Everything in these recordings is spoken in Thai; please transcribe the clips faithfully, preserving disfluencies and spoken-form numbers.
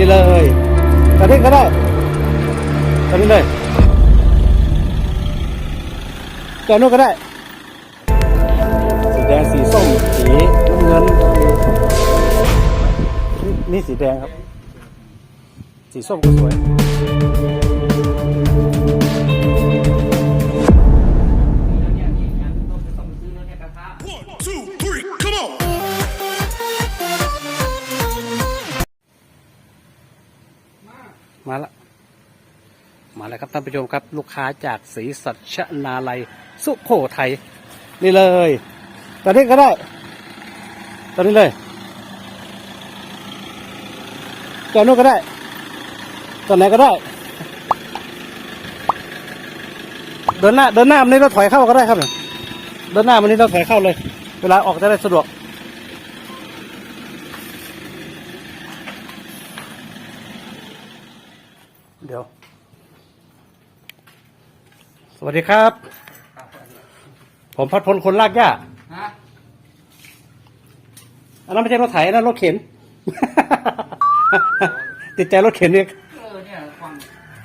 นี่เลยตอนนี้ก็ได้ตอนนี้เลยตอนนู้นก็ได้สีแดงสีส้มสีน้ำเงินนี่สีแดงครับสีส้มก็สวยมาละมาแล้วครับท่านผู้ชมครับลูกค้าจากศรีสัชนาลัยสุโขทัยนี่เลยตอนนี้ก็ได้ตอนนี้เลยตอนนู้นก็ได้ตอนไหนก็ได้เดินหน้าเดินหน้ามันนี่เราถอยเข้าก็ได้ครับเดินหน้ามันนี่เราถอยเข้าเลยเวลาออกจะได้สะดวกเดี๋ยวสวัสดีครับผมพัดพลคนลากหญ้าอันนั้นไม่ใช่รถไถนะรถเข็น ติดใจรถเข็นเนี่ยเออเนี่ยความ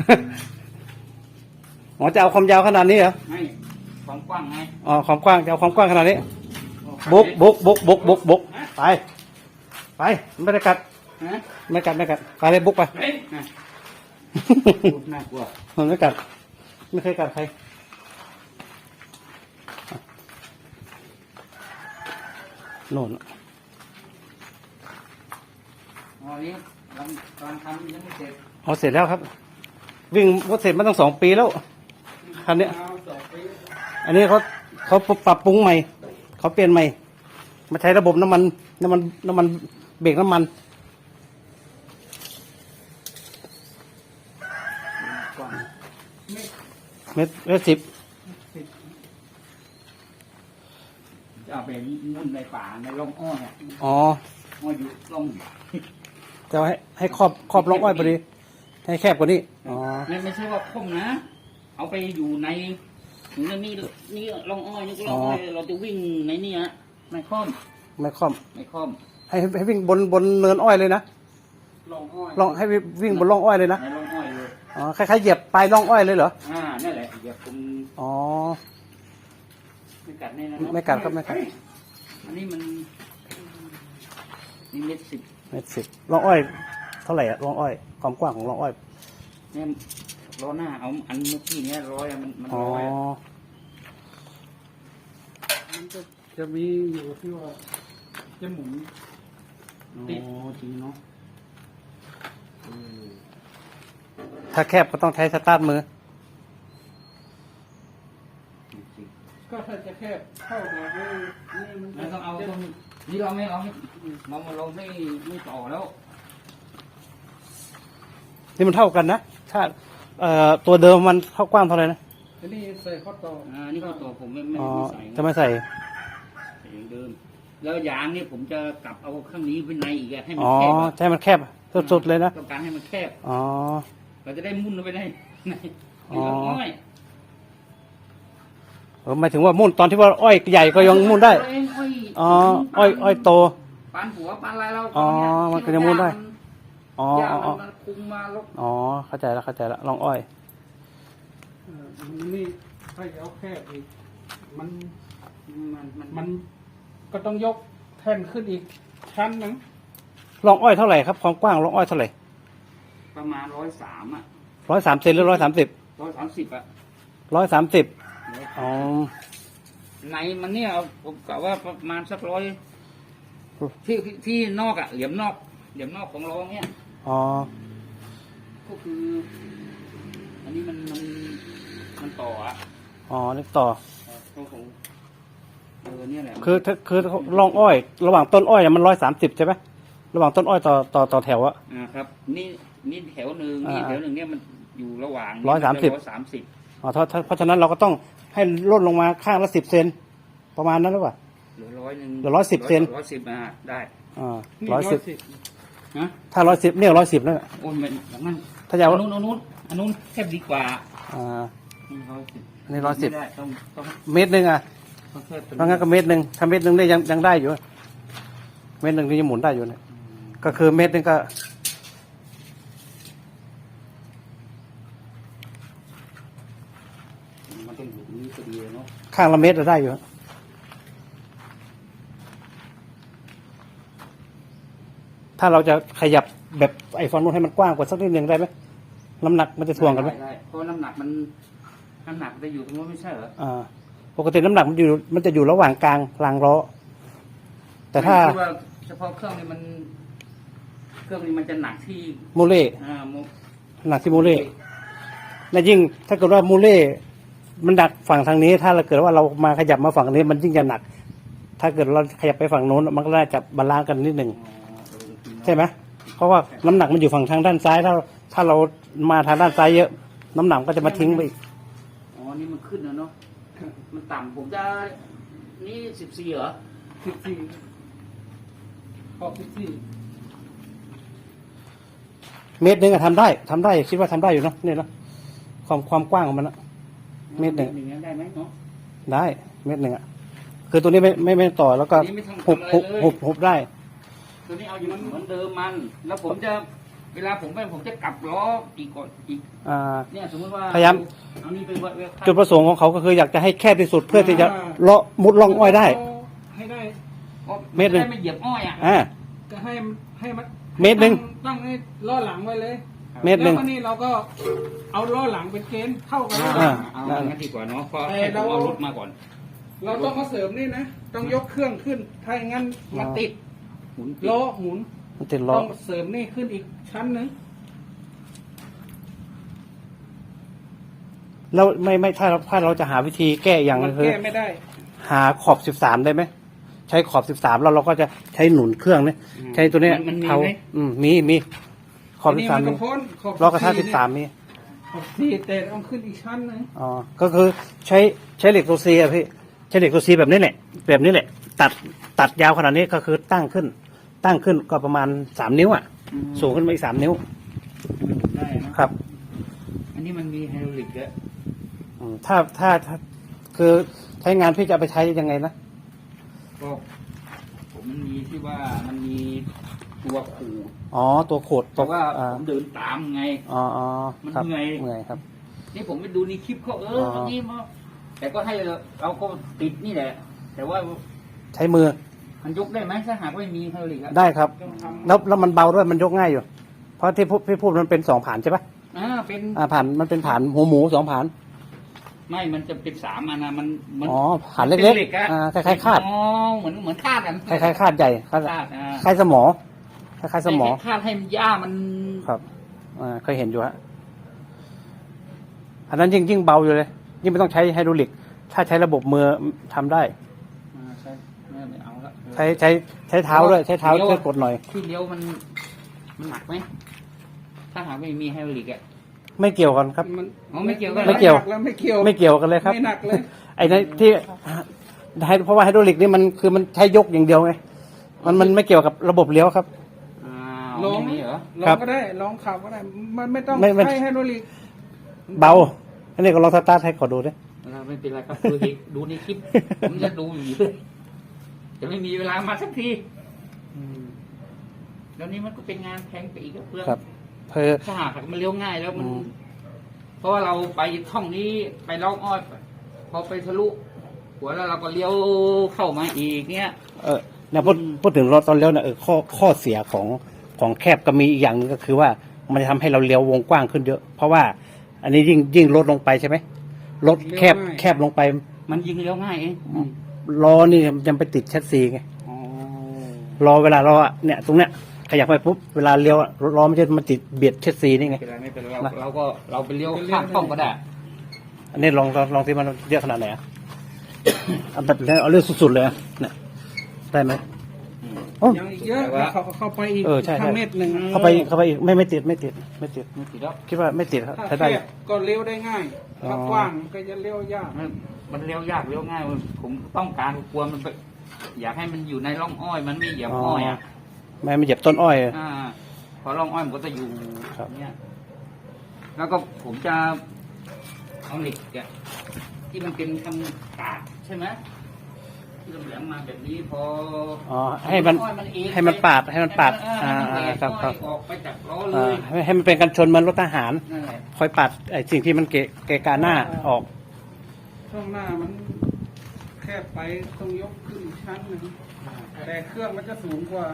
อ๋อจะเอาความยาวขนาดนี้เหรอไม่ความกว้างไงอ๋อความกว้างจะเอาความกว้างขนาดนี้บุกบุกบุกบุกบุกบุกไปไปไม่ได้กัดไม่กัดไม่กัดไปเลยบุกไปน่ากลัวมันไม่กัดไม่เคยกัดใครโน่นอ๋อนี้ตอนทำยังไม่เสร็จอ๋อเสร็จแล้วครับวิ่งรถเสร็จมาตั้งสองปีแล้วคันนี้อันนี้เขาเขาปรับปรุงใหม่เขาเปลี่ยนใหม่มาใช้ระบบน้ำมันน้ำมันน้ำมันเบรกน้ำมันเมตรเมตรสิบจะไปมุ่นในป่าในร่องอ้อยอ๋ออ้อยอยู่ร่องจะให้ให้ครอบครอบร่องอ้อยพอดีให้แคบกว่านี้อ๋อไม่ไม่ใช่ว่าคมนะเอาไปอยู่ในถึงนี่นี่ร่องอ้อยนี่ร่องอ้อยเราจะวิ่งในนี่ฮะไม่คล่อมไม่คล่อมไม่คล่อมให้ให้วิ่งบนบนเนินอ้อยเลยนะร่องอ้อยร่องให้วิ่งบนร่องอ้อยเลยนะในร่องอ้อยเลยอ๋อคล้ายๆเหยียบปลายร่องอ้อยเลยเหรออ่านั่นแหละเหยียบตรงอ๋อไม่กัดแน่นะไม่กัดครับไม่กัดอันนี้มันนี่เม็ดสิบเม็ดสิบร่องอ้อยเท่าไหร่อะร่องอ้อยความกว้างของร่องอ้อยเนี่ยล้อหน้าเอาอันเมื่อกี้เนี้ยร้อยมันมันร้อยมันจะจะมีอยู่ที่ว่าจะหมุนติดจริงเนาะถ้าแคบก็ต้องใช้สตาร์ทมือก็ถ้าจะแคบเข้ามาให้นี่มันต้องเอาตรงนี้เราไม่เอาไม่เราเราไม่ไม่ต่อแล้วนี่มันเท่ากันนะถ้าเอ่อตัวเดิมมันเท่ากว้างเท่าไหร่นะอันนี้ใส่ข้อต่ออ่านี่ข้อต่อผมไม่ไม่ใส่จะไม่ใส่อย่างเดิมแล้วยางนี่ผมจะกลับเอาข้างนี้เป็นในอีกให้มันแคบอ๋อใช่มันแคบสุดๆเลยนะต้องการให้มันแคบอ๋อเราจะได้มุ่นลงไปได้ในอ้อยเออหมายถึงว่ามุ่นตอนที่ว่าอ้อยใหญ่ก็ยังมุ่นได้อ๋ออ้อยอ้อยโตปานหัวปานอะไรเราอ๋อมันก็จะมุ่นได้อ๋ออ๋อคุมมาลกอ๋อเข้าใจแล้วเข้าใจแล้วลองอ้อยนี่ถ้าเอาแคบอีกมันมันมันก็ต้องยกแท่นขึ้นอีกชั้นหนึ่งลองอ้อยเท่าไหร่ครับความกว้างลองอ้อยเท่าไหร่ประมาณร้อยสามอ่ะร้อยสามเซนหรือร้อยสามสิบร้อยสามสิบอ่ะร้อยสามสิบอ๋อในมันเนี่ยผมกะว่าประมาณสักร้อยที่ที่นอกอ่ะเหลี่ยมนอกเหลี่ยมนอกของรองเนี่ยอ๋อก็คืออันนี้มันมันมันต่ออ่ะอ๋อนี่ต่อของเออเนี่ยแหละคือคือรองอ้อยระหว่างต้นอ้อยมันร้อยสามสิบใช่ไหมระหว่างต้นอ้อยต่อต่อต่อแถวอะอ่าครับนี่นี่แถวหนึ่งนี่แถวหนึ่งเนี่ยมันอยู่ระหว่างร้อยสามสิบร้อยสามสิบอ๋อเพราะฉะนั้นเราก็ต้องให้ลดลงมาข้างละสิบเซนประมาณนั้นหรือเปล่าเหลือร้อยหนึ่งเหลือร้อยสิบเซนร้อยสิบอ่าได้อ่าร้อยสิบถ้าร้อยสิบเนี่ยร้อยสิบแล้วโอ้ยมันอย่างนั้นถ้าจะเอาอันนู้นอันนู้นอันนู้นแคบดีกว่าอ่านี่ร้อยสิบนี่ร้อยสิบต้องต้องเมตรหนึ่งอ่ะเพราะงั้นก็เมตรหนึ่งถ้าเมตรหนึ่งได้ยังยังได้อยู่เมตรหนึ่งนี่ยังหมุนได้อยู่เนี่ยก็คือเมตรหนึ่งก็ข้างละเมตรได้อยู่ถ้าเราจะขยับแบบไอ้ฝั่งนู้นให้มันกว้างกว่าสักนิดหนึ่งได้ไหมน้ำหนักมันจะถ่วงกันไหมได้เพราะน้ำหนักมันน้ำหนักจะอยู่ตรงนู้นไม่ใช่เหรออ่าปกติน้ำหนักมันอยู่มันจะอยู่ระหว่างกลางรางล้อแต่ถ้าไม่คิดว่าเฉพาะเครื่องนี้มัน เครื่องนี้มันจะหนักที่โมเล่อ่าโมหนักที่โมเล่และยิ่งถ้าเกิดว่าโมเล่มันหนักฝั่งทางนี้ ถ้าเราเกิดว่าเรามาขยับมาฝั่งนี้มันยิ่งจะหนัก ถ้าเกิดเราขยับไปฝั่งโน้นมันก็น่าจะบาลานซ์กันนิดหนึ่งอ๋อเออจริงเนอะใช่ไหมเพราะว่าน้ำหนักมันอยู่ฝั่งทางด้านซ้าย ถ้าถ้าเรามาทางด้านซ้ายเยอะ น้ำหนักก็จะมาทิ้งไปอีกอ๋อนี่มันขึ้นแล้วเนาะมันต่ำผมจะนี่สิบสี่เหรอสิบสี่ขอบสิบสี่เมตรหนึ่งอะทำได้ทำได้คิดว่าทำได้อยู่เนาะเนี่ยเนาะความความกว้างของมันอะ เมตรหนึ่งอย่างเงี้ยได้ไหมเนาะได้เมตรหนึ่งอะคือตัวนี้ไม่ไม่ไม่ต่อแล้วก็อันนี้ไม่ต้องหุบทำอะไรหุบเลยหุบหุบได้ตัวนี้เอาอยู่เหมือนเดิมมัน แล้วผมจะเวลาผมไปผมจะกลับล้ออีกก่อนอีกอ่าเนี่ยสมมติว่าพยายามเอานี่ไปวัดเวลาจุดประสงค์ของเขาก็คืออยากจะให้แคบที่สุดเพื่อที่จะเลาะมุดล่องอ้อยได้ให้ได้เมตรหนึ่งได้ไม่เหยียบอ้อยอ่ะอ่าก็ให้ให้มันเมตรหนึ่งตั้งให้ล้อหลังไว้เลยเมตรหนึ่งแล้วก็นี่เราก็เอาล้อหลังเป็นเกณฑ์เข้ากันอ่าอ่าเอางั้นดีกว่าเนาะเพราะแต่ให้ผเรามเอารถมาก่อนเราต้องมาเสริมนี่นะ ต้องยกเครื่องขึ้น ถ้าอย่างนั้นมันติดหมุนล้อหมุนมันติดล้อต้องเสริมนี่ขึ้นอีกชั้นหนึ่งแล้วไม่ไม่ถ้าเราถ้าเราจะหาวิธีแก้อย่างมันึนงคือแก้ไม่ได้หาขอบสิบสามได้ไหมใช้ขอบสิบสามแล้วเราก็จะใช้หนุนเครื่องเนี่ยใช้ตัวเนี้ยมันมีเท้าไหมอืมมีมีขอบอันสินี้บสามมันมีก็พ้นขอบล้อกระทะสิบสามเนี่ยมีขอบสี่แต่ต้องขึ้นอีกชั้นหนึ่งอ๋อก็คือใช้ใช้เหล็กตัวซีอะพี่ใช้เหล็กตัวซีแบบนี้แหละแบบนี้แหละ ตัดตัดยาวขนาดนี้ก็คือตั้งขึ้น ตั้งขึ้นก็ประมาณสามนิ้วอ่ะอืมสูงขึ้นมาอีกสามนิ้วได้นะครับ อันนี้มันมีไฮดรอลิกแล้วอืมถ้าถ้าถ้าคือใช้งานพี่จะเอาไปใช้ยังไงนะก็ผมมันมีที่ว่ามันมีตัวขูดอ๋อตัวโขดเพตัวราะว่าอ่าผมเดินตามไงอ๋ออ๋อมันครับเหนื่อยเหนื่อยครับนี่ผมไปดูในคลิปเขาเออออันนี้มาแต่ก็ให้เราเราก็ติดนี่แหละ แต่ว่าใช้มือมันยกได้ไหมถ้าหากไม่มีไฮดรอลิกอะได้ครับต้องทำแล้วแล้วมันเบาด้วยมันยกง่ายอยู่ เพราะที่พูดพี่พูดมันเป็นสองผ่านใช่ปะอ่าเป็นอ่าผ่านมันเป็นผ่านหัวหมูสองผ่านไม่มันจะเป็นสามอันนะมันมัอ๋อผ่านเล็กป็หอะๆอ่าคล้ายๆคาดอ๋อเหมือนเหมือนคาดกันคล้ายๆคาดใหญ่คาดคาดอ่าคล้ายสมอคล้ายๆสมอให้คาดให้มันหญ้ามันครับอ่าเคยเห็นอยู่ฮะอันนั้นยิ่งยิ่งเบาอยู่เลย ยิ่งไม่ต้องใช้ไฮดรอลิก ถ้าใช้ระบบมือทำได้อ่าใช่ไม่ไม่เอาละใช้ใช้ใช้เท้าด้วยใช้เท้าเลี้ยวช่วยกดหน่อยที่เลี้ยวมันมันหนักไหมถ้าหากไม่มีไฮดรอลิกอะไม่เกี่ยวกันครับมันอ๋อไม่เกี่ยวกันไม่เกี่ยวหนัแล้วไม่เกี่ยวไม่เกี่ยวกันเลยครับไม่หนักเลยไอ้นั่นที่ไฮเพราะว่าไฮดรอลิกนี่มันคือมันใช้ยกอย่างเดียวไงมันมันไม่เกี่ยวกับระบบเลี้ยวครับอ้าวลองไม่มีเหรอลอครังบก็ได้ลองขับก็ได้ มันไม่ต้องไม่ไม่ใช้ไฮดรอลิกเบา อันนี้ก็ลองสตาร์ทให้ขอดูด้วยเราไม่เป็นไรครับดูในดูในคลิป ผมจะดูอยู่เลยจะไม่มีเวลามาสักทีแล้วนี้มันก็เป็นงานแพงไปอีกครับเพื่อนครับเพอถ้าหากมันเลี้ยวง่ายแล้วมันอืมเพราะว่าเราไปท่องนี้ไปล่องอ้อยพอไปทะลุหัวแล้วเราก็เลี้ยวเข้ามาอีกเนี้ยเออเนี่ยพูดพูดถึงรถตอนเลี้ยวเนี่ยเออข้อข้อเสียของของแคบก็มีอีกอย่างหนึงก็คือว่ามันจะทำให้เราเลี้ยววงกว้างขึ้นเยอะ เพราะว่า อันนี้ยิ่งยิ่งลดลงไปใช่ไหมรถแคบแคบลงไปมันยิงเลี้ยวง่ายเองล้อนี่ยังไปติดแชสซีไงอ๋อล้อเวลาเราอะเนี่ยตรงเนี้ยขยับไปปุ๊บเวลาเลี้ยวอะรถล้อมันจะมาติดเบียดแชสซีนี่ไงไม่เป็นไรไม่เป็นไรเราเราก็เราไปเลี้ยวข้ามช่องก็ได้อันนี้ลองลองลองที่มันเยอะขนาดไหนอะเอาแบบเอาเรื่องสุดๆเลยอะเนี่ยได้ไหมโอ้ยังอีกเยอะเขาเข้าไปอีกเออใช่ใช่ทางเมตรหนึ่งเข้าไปเข้าไปอีกไม่ไม่ติดไม่ติดไม่ติดไม่ติดแล้วคิดว่าไม่ติดครับถ้าใช้แคได้บก็เลี้ยวได้ง่ายอ๋อถ้ากว้างก็จะเลี้ยวยากมันมันเลี้ยวยากเลี้ยวง่ายผมต้องการกลัวมันไปอยากให้มันอยู่ในร่องอ้อย มันไม่เหยียบอ้อยอ่ะไม่ไม่เหยียบต้นอ้อยอะอ่าพอร่องอ้อยมันก็จะอยู่ครับเนี่ยแล้วก็ผมจะเอาเหล็กอะที่มันเป็นทำกาดใช่ไหมที่เราแหลมมาแบบนี้พออ๋อให้มันอ้อยเองให้มันปาดให้มันปาดให้อ่ามันอ่าแหลกครับครับอ้อยออกไปจากล้อเลอ่าย ให้ให้มันเป็นกันชนเหมันรถทหารนั่นแหละคอยปัดไอ้สิ่งที่มันเกะเกะกาหน้าออกช่วงหน้ามันคบไปต้องยกขึ้นอีกชั้นหนึ่งแต่เครื่องมันจะสูงกว่า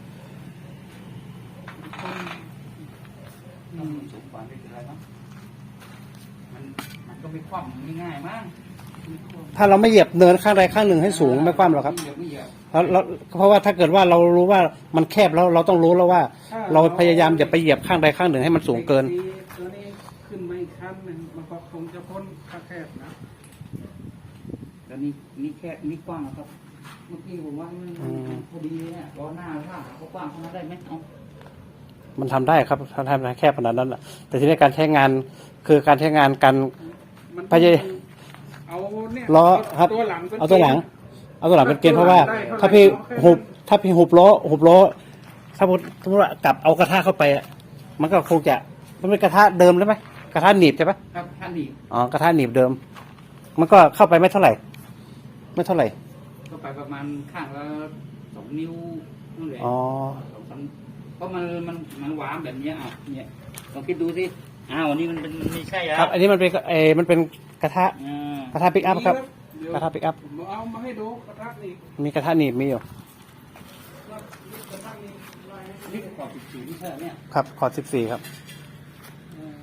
อืมสูงกว่าไม่เป็นไรเนาะมันมันก็ไม่คว่ำง่ายๆมั้งถ้าเราไม่เหยียบเนินข้างใดข้างหนึ่งให้สูงไม่คว่ำหรอกครับไม่เหยียบไม่เหยียบแล้วแล้วเพราะว่าถ้าเกิดว่าเรารู้ว่ามันแคบแล้วเราต้องรู้แล้วว่า เราพยายามอย่าไปเหยียบข้างใดข้างหนึ่งให้มันสูงเกินตัวนี้ขึ้นมาอีกชั้นหนึ่งมันก็คงจะพ้นค่าแคบนะแล้วนี่นี่แค่นี่กว้างนะครับ เมื่อกี้ผมว่ามันอืมพอดีเนี่ยล้อหน้าถ้าหาเขากว้างขนาดได้ไหมเอามันทำได้ครับถ้าทำได้แคบขนาดนั้นน่ะแต่ทีนี้การใช้งานคือการใช้งานการมันพยายเอาเนี่ยล้อครับตัวหลังป็นเอาตัวหลัง เอาตัวหลังเป็นเกณฑ์เพราะว่าได้เท่าไหร่ถ้าพี่เอาแค่หุบถ้าพี่หุบล้อหุบล้อถ้าสมมติว่ากลับเอากระทะเข้าไปอะมันก็คงจะมันเป็นกระทะเดิมใช่ไหมกระทะหนีบใช่ไหมครับท่านดีอ๋อกระทะหนีบเดิม มันก็เข้าไปไม่เท่าไหร่ ไม่เท่าไหร่ก็ไปประมาณข้างละสองนิ้วนั่นแหละอ๋อสองสามเพราะมันมันมันหวานแบบเนี้ยอ่ะเนี่ยลองคิดดูสิอ้าวอันนี้มันเป็นมันไม่ใช่แล้วครับ อันนี้มันเป็นเออมันเป็นกระทะอ่ากระทะปิกอัพครับเดี๋ยวกระทะปิกอัพผมเอามาให้ดูกระทะนี่มีกระทะหนีบมีอยู่กระทะนี่ลายให้ดูนี่ขอบสิบสี่ไม่ใช่เหรอเนี่ยครับขอสิบสี่ครับเออ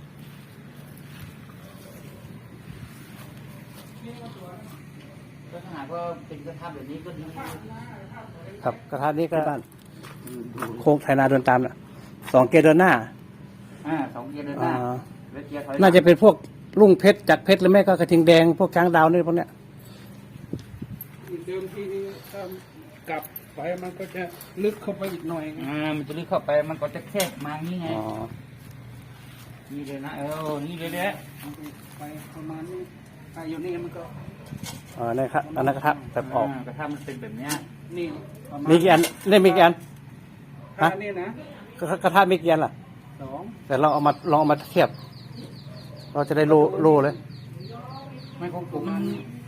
นี่ก็สวยก็ถ้าหากว่าเป็นกระทะแบบนี้ก็ดีครับกระทะนี้ก็บ้านโค้งไถนาเดินตามน่ะสองเกียร์เดินหน้าอ่าสองเกียร์เดินหน้าอ่าแล้วเกียร์ถอยหลังน่าจะเป็นพวกลุงเพชรจักรเพชรหรือไม่ก็กระทิงแดงพวกช้างดาวนี่พวกเนี้ยเดิมทีนี้ถ้ากลับไปมันก็จะลึกเข้าไปอีกหน่อยไงอ่ามันจะลึกเข้าไปมันก็จะแคบมาอย่างนี้ไงอ๋อนี่เลยนะเออนี่เลยแหละไปประมาณนี้ถ้าอยู่นี่มันก็อ๋อนี่ครับอันนั้นกระทะแบบออกากระทะมันเป็นแบบเนี้ยนี่ประมาณมีกี่อันเล่นมีกี่อันถ้านี่นะกระกระทะมีกี่อันล่ะสองแต่เราเอามาลองเอามาเทียบ เราจะได้รู้รู้เลยไม่ของผมมัน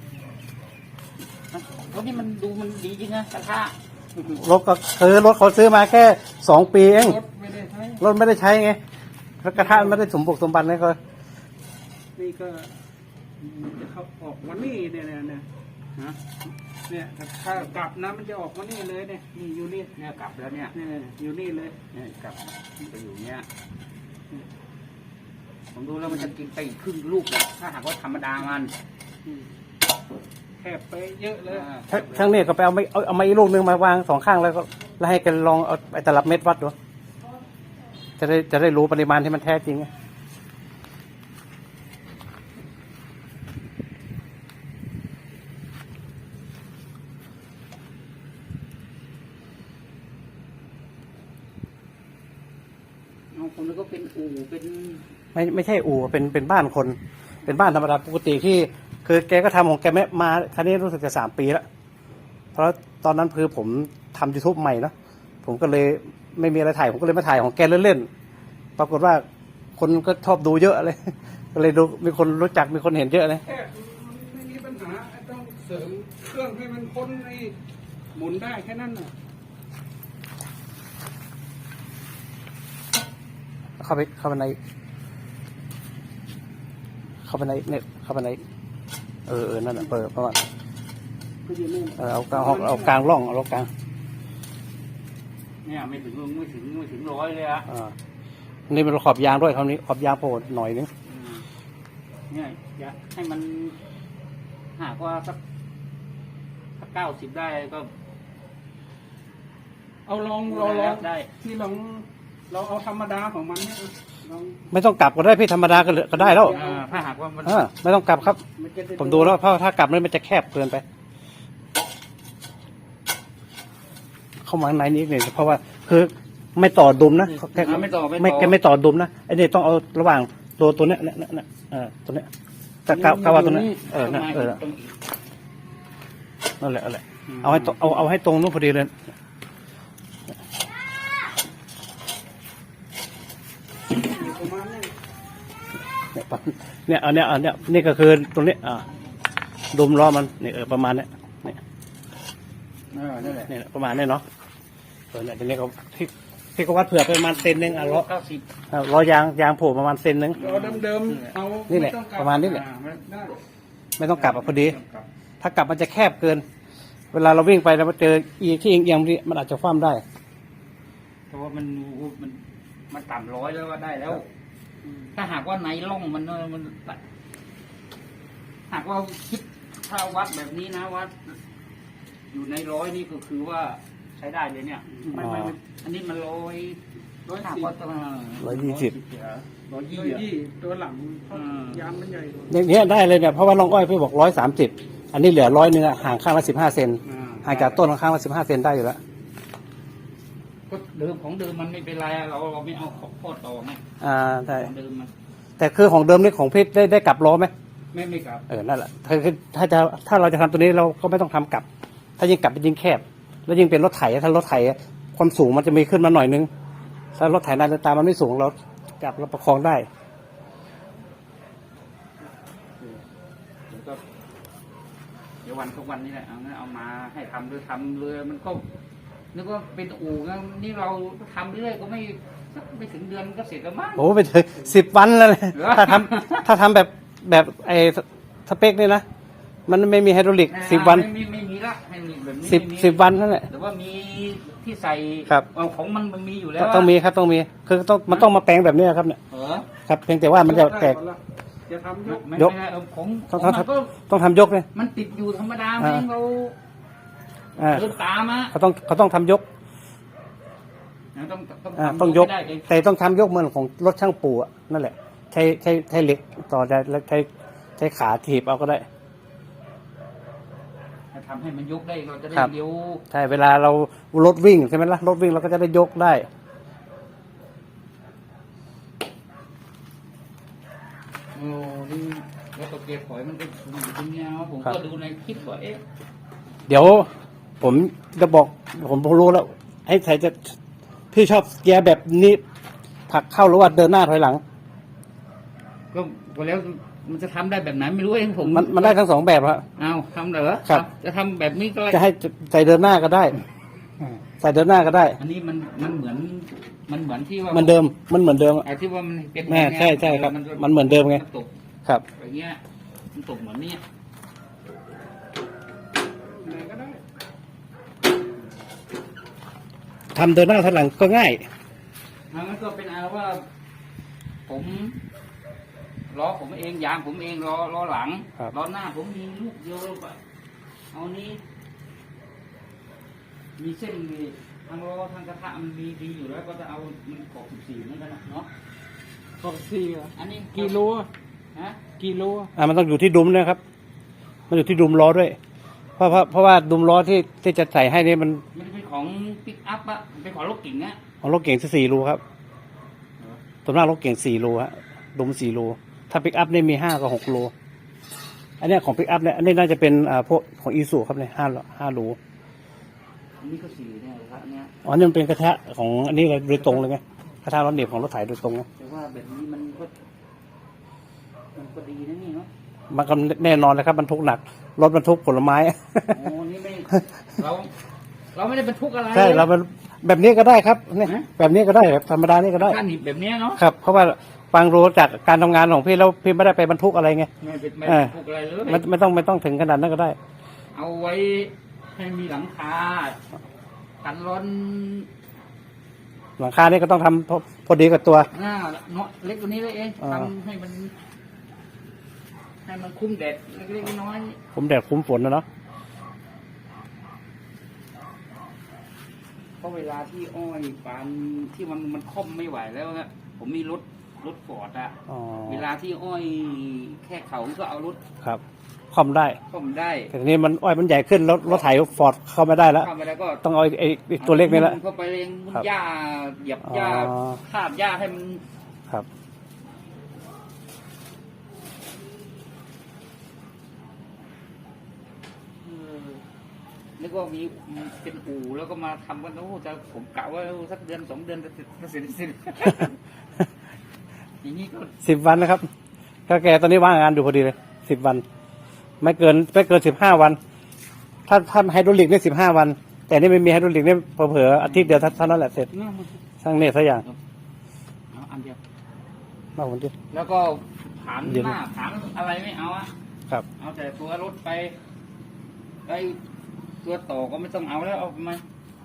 รถนี่มันดูมันดีจริงนะกระทะรถก็ซื้อรถเขาซื้อมาแค่สองปีเองรถไม่ได้ใช้รถไม่ได้ใช้ไงแล้วกระทะมันไม่ได้สมบุกสมบันเลยก็นี่ก็จะเข้าออกวันนี้เนี่ยเนี่ยเนี่ยฮะเนี่ยถ้ากลับนะมันจะออกวันนี้เลยเนี่ยนี่อยู่นี่เนี่ยกลับแล้วเนี่ยเนี่ยอยู่นี่เลยเนี่ยกลับมันไปอยู่เนี้ยผมดูแล้วมันจะกินไปอีกครึ่งลูกอะถ้าหากว่าธรรมดามันอืมแคบไปเยอะเลยอ่าช่างช่างเนี่ยก็ไปเอาไม่เอาเอามาอีกลูกหนึงมาวางสองข้างแล้วก็แล้วให้กันลองเอาไอ้ตลับเม็ดวัดดูจะได้จะได้รู้ปริมาณที่มันแท้จริงไงเอาคนแล้วก็เป็นอู่เป็นไม่ไม่ใช่อู่เป็นเป็นบ้านคน เป็นบ้านธรรมดาปกติที่ คือแกก็ทำของแกไม่มาคันนี้รู้สึกจะสามปีแล้วเพราะตอนนั้นคือผมทำยูทูบใหม่เนอะผมก็เลยไม่มีอะไรถ่ายผมก็เลยมาถ่ายของแกเล่นๆปรากฏว่าคนก็ชอบดูเยอะเลย ก็เลยดูมีคนรู้จักมีคนเห็นเยอะเลยแค่มันไม่มีปัญหาต้องเสริมเครื่องให้มันพ้นไอ้หมุนได้แค่นั้นน่ะเข้าไปเข้าไปในเข้าไปในเน็ตเข้าไปในเออเออนั่นแหะเปิดประมาณก็อยู่นี่เออเอากลางเอาเอากลางร่องเอากลางเนี่ยไม่ถึงไม่ถึงไม่ถึงร้อยเลยอะอ่านี่เป็นขอบยางด้วยคราวนี้ขอบยางโผล่หน่อยนึงอืมเนี่ยอยากให้มันหากว่าสักสักเก้าสิบได้ก็เอาลองลองลองได้ที่ลองเราเอาธรรมดาของมันเนี่ยลองไม่ต้องกลับก็ได้พี่ธรรมดาก็เหลือก็ได้แล้วอ่าถ้าหากว่ามันเออไม่ต้องกลับครับมันจะไผมดูแล้วเพราะถ้ากลับแล้วมันจะแคบเกินไป เข้ามาข้างในนี้อีกหน่อยเพราะว่าคือไม่ต่อดุมนะแค่อ่าไม่ต่อไม่ไม่แกไม่ต่อดุมนะไอ้นี่ต้องเอาระหว่างตัวตัวเนี้ยเนี่ยเนี่ยเนี่ยเออตัวเนี้ยแต่กาวกาวาตัวเนี้ยเออนั่นเออนั่นแหละนั่นแหละเอาให้ตรงเอาเอาให้ตรงนู้นพอดีเลยประมาณนี้เนี่ยปั๊บเนี่ยอันเนี้ยอันเนี้ยนี่ก็คือตรงนี้อ่าดุมล้อมันนี่เออประมาณเนี้ยเนี่ยเออนั่นแหละเนี่ยประมาณเนี้ยเนาะเออเนี่ยทีนี้เขาที่ที่เขาวัดเผื่อไปประมาณเซนหนึงอ่ะล้อเก้าสิบอ่ะล้อยางยางโผล่ประมาณเซนหนึงเราเดิมๆเอานี่แหละไต้องกบประมาณนี้แหละอ่ไม่ได้ไม่ต้องกลับอ่ะพอดีครับถ้ากลับมันจะแคบเกิน เวลาเราวิ่งไปแล้วมาเจออีที่เอียงๆนี่มันอาจจะคว่ำได้เพราะว่ามันมันมันต่ำร้อยแล้วว่าได้แล้ว ถ้าหากว่าในร่องมันมันหากว่าคิดถ้าวัดแบบนี้นะวัด อยู่ในร้อยนี่ก็คือว่าใช้ได้เลยเนี่ยไม่ไม่ไม่อันนี้มันร้อยร้อยสิบร้อยยี่สิบร้อยยี่ร้อยอะยี่ตัวหลังเพราะอืมยางมันใหญ่กว่าอย่างเงี้ยได้เลยเนี่ยเพราะว่าลองอ้อยพี่บอกร้อยสามสิบอันนี้เหลือร้อยเนื้อห่างข้างละสิบห้าเซนอ่าห่างจากต้นข้างละสิบห้าเซนได้อยู่แล้วก็เดิมของเดิมมันไม่เป็นไรอะเราเราไม่เอาของโคตรต่อไหมอ่าใช่ของเดิมมันแต่คือของเดิมนี่ของพี่ได้ได้กลับล้อไหมไม่ไม่กลับเออนั่นแหละคือคือถ้าจะถ้าเราจะทำตัวนี้เราก็ไม่ต้องทำกลับ ถ้ายิ่งกลับเป็นยิ่งแคบ แล้วยิ่งเป็นรถไถถ้ารถไถความสูงมันจะมีขึ้นมาหน่อยนึงถ้ารถไถนาฬิตามันไม่สูงเราจับเราประคองได้เดี๋ยวก็เดี๋ยววันทุกวันนี้แหละเอางั้นเอามาให้ทำเลยทำเลยมันก็นึกว่าเป็นอู่งั้นนี่เราทำเรื่อยก็ไม่สักไม่ถึงเดือนก็เสร็จแล้วมั้งโอ้ไปถึงสิบวันแล้วเลยเหรอถ้าทำถ้าทำแบบแบบไอ้สเปคนี่นะมันไม่มีไฮดรอลิกสิบวันไม่มีไม่มีละให้มีแบบนี้สิบไม่มีสิบวันนั่นแหละแต่ว่ามีที่ใส่ครับเอาของมันมันมีอยู่แล้วต้องมีครับต้องมีคือต้องมันต้องมาแปลงแบบนี้ครับเนี่ยเออครับเพียงแต่ว่ามันจะแตกจะทำยกไม่ยกไม่ได้เอาของขต้ออง งมันก็ต้องทำยกเลยมันติดอยู่ธรรมดาไม่อ่าเราอ่าเดินตามอะเขาต้องเขาต้องทำยกต้องต้องอ่าทำต้องยกให้ได้เองแต่ต้องทำยกเหมือนของรถช่างปูอะนั่นแหละใช้ใช้ใช้เหล็กต่อได้แล้วใช้ใช้ขาถีบเอาก็ได้ถ้าทำให้มันยกได้เราจะได้ครับเลี้ยวใช่เวลาเรารถวิ่งใช่ไหมล่ะรถวิ่งเราก็จะได้ยกได้โอ้นี่แล้วตัวเกียร์ถอยมันก็อยู่ตรงเนี้ยผมครับก็ดูในคลิปว่าเอ๊ะเดี๋ยวผมจะบอกผมรู้แล้วไอ้ใครจะพี่ชอบเกียร์แบบนี้ผลักเข้าหรือว่าเดินหน้าถอยหลังก็พอแล้วมันจะทำได้แบบไหนไม่รู้เองผมมันมันได้ทั้งสองแบบครับเอาทำเหรอครับจะทำแบบนี้ก็ได้จะให้ใส่เดินหน้าก็ได้ ใส่เดินหน้าก็ได้อันนี้มันมันเหมือนมันเหมือนที่ว่ามันเดิมมันเหมือนเดิมไอ้ที่ว่ามันเป็นแม่ใช่ใช่ครับจะมันเหมือนเดิมไงนตกครับอย่างเงี้ยมันตกเหมือนเนี้ยไหนก็ได้ทำเดินหน้าถอยหลังก็ง่ายมันก็เป็นอะไรว่า ผมล้อผมเองยางผมเองล้อล้อหลังครับล้อหน้าผมมีลูกเดียวก็เอานี้ มีเส้นมีทางล้อทางกระทะมันมีดีอยู่แล้ว ก็จะเอามันกรอบสิบสี่เหมือนกันนะเนาะขอบสี่อะอันนี้กิโลอะฮะกิโลอะอ่ามันต้องอยู่ที่ดุมนะครับ มันอยู่ที่ดุมล้อด้วย เพราะเพราะเพราะว่าดุมล้อที่ที่จะใส่ให้นี่มันมันเป็นของปิกอัพอะเป็นของรถเก๋งอะของรถเก่งสี่รูครับส่วนมากรถเก่งสี่รูฮะดุมสี่รูถ้าปิกอัพเนี่ยมีห้ากับหกรูอันเนี้ยของปิกอัพเนี่ยอันนี้น่าจะเป็นอ่าพวกของอีซูครับเนี่ยห้าห้ารูอันนี้ก็สี่เนี่ยครับอันเนี้ยอ๋อนี่มันเป็นกระทะของอันนี้เลยโดยตรงเลยไงกระทะร้อนเหน็บของรถไถโดยตรงไงแต่ว่าแบบนี้มันก็มันก็ดีนะนี่เนาะมันก็แน่นอนเลยครับบรรทุกหนักรถบรรทุกผลไม้โอ้นี่ไม่เรา เราไม่ได้บรรทุกอะไรใช่เราเป็นแบบนี้ก็ได้ครับเนี่ยฮะแบบนี้ก็ได้แบบธรรมดานี่ก็ได้การหนีบแบบเนี้ยเนาะครับ เพราะว่าฟังรู้จากการทำงานของพี่แล้วพี่ไม่ได้ไปบรรทุกอะไรไงไม่เป็นไม่เออบรรทุกอะไรเลยไม่ไม่ต้องไม่ต้องถึงขนาดนั้นก็ได้เอาไว้ให้มีหลังคากันร้อนหลังคานี่ก็ต้องทำพอพอดีกับตัวหน้าเนาะเล็กกว่านี้เลยเองอ่าทำให้มัน ให้มันคุ้มแดดเล็กๆน้อยผมแดดคุ้มฝนนะเนาะๆเพราะเวลาที่อ้อยปานที่มันมันค่อมไม่ไหวแล้วนะผมมีรถรถฟอร์ดอะอ๋อเวลาที่อ้อยแค่เขาก็เอารถครับคอมได้ค่อมได้แต่ทีนี้มันอ้อยมันใหญ่ขึ้นรถรถไถฟอร์ดเข้าไม่ได้แล้วเข้าไปแล้วก็ต้องเอาไอ้ไอ้ตัวเล็กนี่แหละเข้าไปเองครับหญ้าเหยียบหญ้าอ๋อคาบหญ้าให้มันครับเออนึกว่ามีเป็นอู่แล้วก็มาทำกันโอ้จะผมกะว่าสักเดือนสองเดือนจะเสร็จจะเสร็จจะเสร็จ อย่างนี้ก็สิบวันนะครับก็แกตอนนี้ว่างงานอยู่พอดีเลยสิบวัน ไม่เกินไม่เกินสิบห้าวัน ถ้าถ้าไฮดรอลิกเนี่ยสิบห้าวัน แต่นี่ไม่มีไฮดรอลิกเนี่ยเผลอๆอาทิตย์เดียวเท่านั้นแหละเสร็จน่ามันสร้างเนี่ยสักอย่างเอาอันเดียวมากกว่านี้แล้วก็ผานเดี๋ยวหน้าผานอะไรไม่เอาอะครับเอาแต่ตัวรถไปไอ้ตัวต่อก็ไม่ต้องเอาแล้วเอามา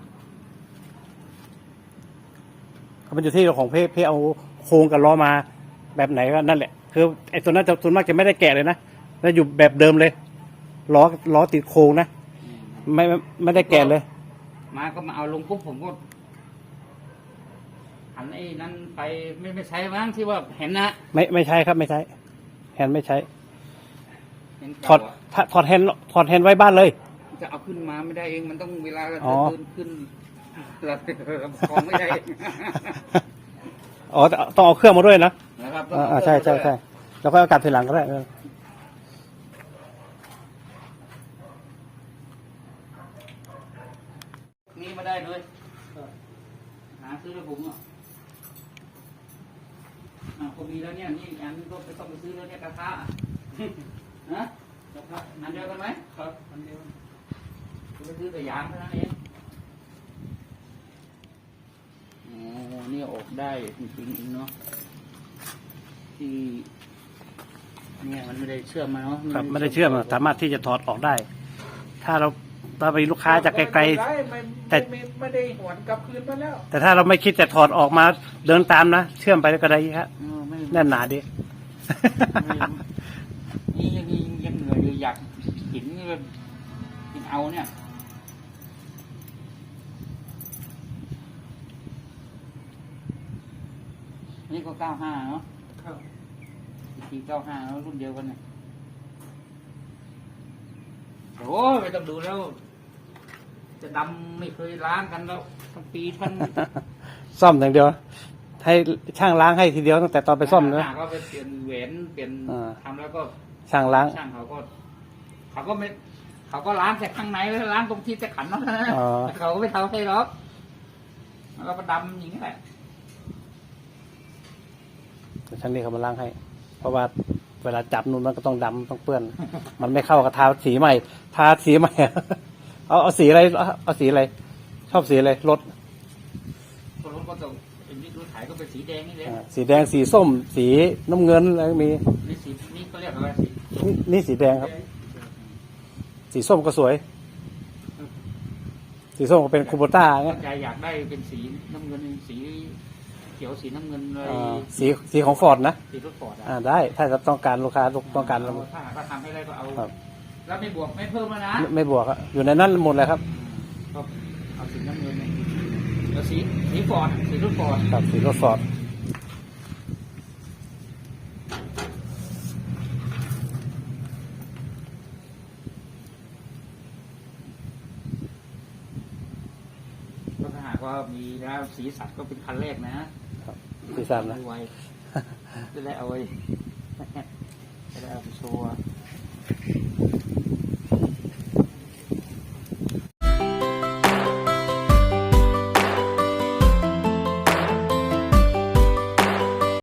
มันอยู่ที่ของเพเพเอาโครงกับล้อมาแบบไหนก็นั่นแหละคือไอ้ตัวนั้นจะส่วนมากจะไม่ได้แกะเลยนะแล้วอยู่แบบเดิมเลยล้อล้อติดโครงนะไม่ไม่ไม่ได้แกะเลยมาก็มาเอาลงปุ๊บผมก็หันไอ้นั้นไปไม่ไม่ใช่มั้งที่ว่าเห็นนะไม่ไม่ใช่ครับไม่ใช่แฮนด์ไม่ใช้เห็นถอเก่าดอะถอดแฮนด์ถอดแฮนด์ไว้บ้านเลยจะเอาขึ้นมาไม่ได้เองมันต้องเวลาเราอ๋อเดินขึ้นเราของไม่ได้เองอ๋อต้องเอาเครื่องมาด้วยนะนะครับอ่าอ่าใช่ใช่ใช่แล้วก็เอากลับทีหลังก็ได้เออนี่มาได้เลยหาซื้อแล้วผมอ่ะอ่าผมมีแล้วเนี่ยนี่อันนี้ก็ไปต้องไปซื้อแล้วเนี่ยกระทะนะกระทะอันเดียวกันไหมครับอันเดียวผมไปซื้อแต่ยางเท่านั้นเองโอ้นี่ออกได้จริงๆเนาะที่เนี่ยมันไม่ได้เชื่อมมาเนาะครับไม่ได้เชื่อมอะสามารถที่จะถอดออกได้ ถ้าเราถ้าไปลูกค้าจากไกลไม่แต่ไม่ไม่ไม่ได้หวนกลับคืนมาแล้วๆแต่ถ้าเราไม่คิดจะถอดออกมาเดินตามนะเชื่อมไปก็ได้ครับเออไม่แน่นหนาดีนี่ยังยังยังเหนื่อยอยู่อยากเห็นเลยยังเอาเนี่ยนี่ก็เก้าห้าเนาะครับทีเก้าห้าแล้วรุ่นเดียวกันเนี่ยโอ้ยไม่ต้องดูแล้ว จะดำไม่เคยล้างกันแล้วทั้งปีทั้งซ่อมอย่างเดียว ให้ช่างล้างให้ทีเดียวตั้งแต่ตอนไปซ่อมนะก็ไปเปลี่ยนแหวนเปลี่ยนอ่าทำแล้วก็ช่างล้างช่างเขาก็ เขาก็ไม่ เขาก็ล้างแต่ข้างในแล้วล้างตรงที่จะขันนั่นนะอ๋อแต่เขาก็ไม่ทำให้หรอกแล้วก็มาดำอย่างนี้แหละช่างนี่เขามาล้างให้ เพราะว่าเวลาจับนู่นมันก็ต้องดำต้องเปื้อน มันไม่เข้ากับทาสีใหม่ ทาสีใหม่ เอาเอาสีอะไรเอาเอาสีอะไร ชอบสีอะไรรถคนรถก็ต้องเป็นนี่รถไถก็เป็นสีแดงนี่เลยอ่าสีแดงสีส้ม สีน้ำเงินอะไรก็มีนี่สีนี่เขาเรียกอะไรสีนี่นี่สีแดงครับ สีส้มก็สวย สีส้มก็เป็นคูโบต้าเงี้ยใจอยากได้เป็นสีน้ำเงินสีเขียวสีน้ำเงินเลยอ่าสีสีของฟอร์ดนะสีรถฟอร์ดอ่ะอ่าได้ ถ้าจะต้องการลูกค้าต้องการเราถ้าหากว่าทำให้ได้ก็เอาครับแล้วไม่บวกไม่เพิ่มแล้วนะไม่ไม่บวกอะอยู่ในนั้นหมดเลยครับก็เอาสีน้ำเงินเนี่ยแล้วสีสีฟอร์ดสีรถฟอร์ดครับสีรถฟอร์ดก็ถ้าหากว่ามีแล้วสีสันก็เป็นคันแรกนะครับสีสันนะไม่ไวจะได้เอาไว้จะได้เอาไปโชว์